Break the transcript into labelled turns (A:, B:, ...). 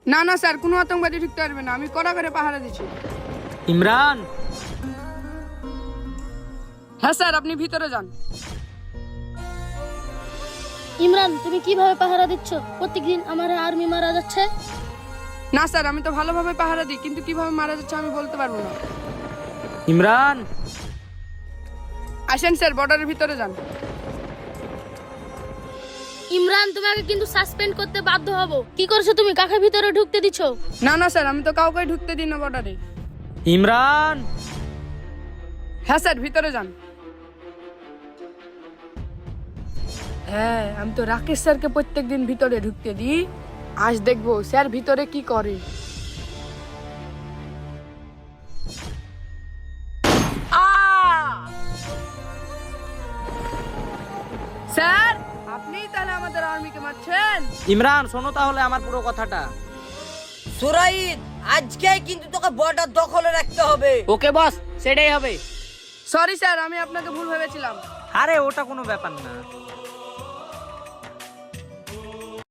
A: না না স্যার, কোনো আতঙ্কবাদী ঢুকতে পারবে না, আমি কড়া করে পাহারা দিচ্ছি।
B: ইমরান,
A: হ্যাঁ স্যার, আপনি ভিতরে যান।
C: ইমরান, তুমি কিভাবে পাহারা দিচ্ছ? প্রত্যেকদিন আমার আর্মি মারা যাচ্ছে।
A: না স্যার, আমি তো ভালোভাবে পাহারা দিই, কিন্তু কিভাবে মারা যাচ্ছে আমি বলতে পারবো না।
B: ইমরান,
A: আসেন স্যার, বর্ডারের ভিতরে যান।
C: ইমরান, তোমাকে কিন্তু সাসপেন্ড করতে বাধ্য হব। কি করছো তুমি? কাকে ভিতরে ঢুকতে দিছো?
A: না না স্যার, আমি তো কাউকে ঢুকতে দিই না বর্ডারে।
B: ইমরান।
A: হ্যাঁ স্যার, ভিতরে যান। হ্যাঁ, আমি তো রাকেশ স্যারকে প্রত্যেকদিন ভিতরে ঢুকতে দিই। আজ দেখবো স্যার ভিতরে কি করে। স্যার, আপনি তাহলে আমাদের আর্মিকে মারছেন?
B: ইমরান, শোনো তাহলে আমার পুরো কথাটা।
D: সুরাইদ, আজকে কিন্তু তোকে বর্ডার দখলে রাখতে হবে।
B: ওকে বস, সেটাই হবে।
A: সরি স্যার, আমি আপনাকে ভুল ভেবেছিলাম।
B: আরে ওটা কোনো ব্যাপার না।